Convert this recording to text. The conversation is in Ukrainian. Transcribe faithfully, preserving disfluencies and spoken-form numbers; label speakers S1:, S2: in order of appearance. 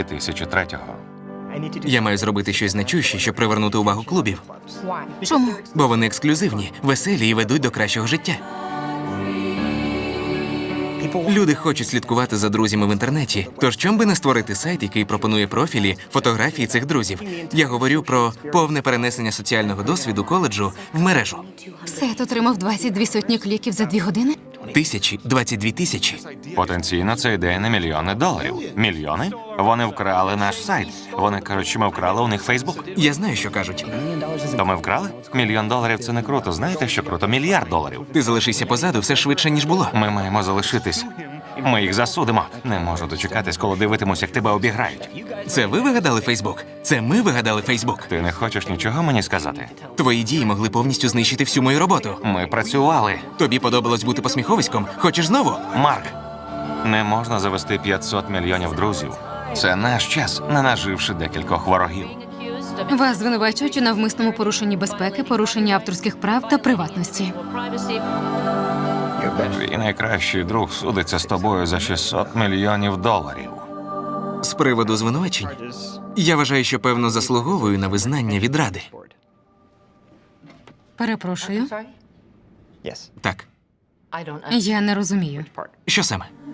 S1: дві тисячі третього.
S2: Я маю зробити щось значуще, щоб привернути увагу клубів.
S3: Чому?
S2: Бо вони ексклюзивні, веселі і ведуть до кращого життя. Люди хочуть слідкувати за друзями в інтернеті. Тож чом би не створити сайт, який пропонує профілі, фотографії цих друзів? Я говорю про повне перенесення соціального досвіду коледжу в мережу.
S3: Сет отримав двадцять дві сотні кліків за дві години?
S2: Тисячі, двадцять дві тисячі.
S1: Потенційно це йде на мільйони доларів. Мільйони? Вони вкрали наш сайт. Вони кажуть, що ми вкрали у них Фейсбук.
S2: Я знаю, що кажуть.
S1: То ми вкрали? Мільйон доларів – це не круто. Знаєте, що круто? Мільярд доларів.
S2: Ти залишися позаду все швидше, ніж було.
S1: Ми маємо залишитись. Ми їх засудимо. Не можу дочекатись, коли дивитимусь, як тебе обіграють.
S2: Це ви вигадали Фейсбук? Це ми вигадали Фейсбук.
S1: Ти не хочеш нічого мені сказати?
S2: Твої дії могли повністю знищити всю мою роботу.
S1: Ми працювали.
S2: Тобі подобалось бути посміховиськом? Хочеш знову?
S1: Марк, не можна завести п'ятсот мільйонів друзів. Це наш час, не наживши декількох ворогів.
S3: Вас звинувачують у навмисному порушенні безпеки, порушенні авторських прав та приватності.
S1: Твій найкращий друг судиться з тобою за шістсот мільйонів доларів.
S2: З приводу звинувачень, я вважаю, що певно заслуговую на визнання від Ради.
S3: Перепрошую.
S2: Так,
S3: Я не розумію.
S2: що саме?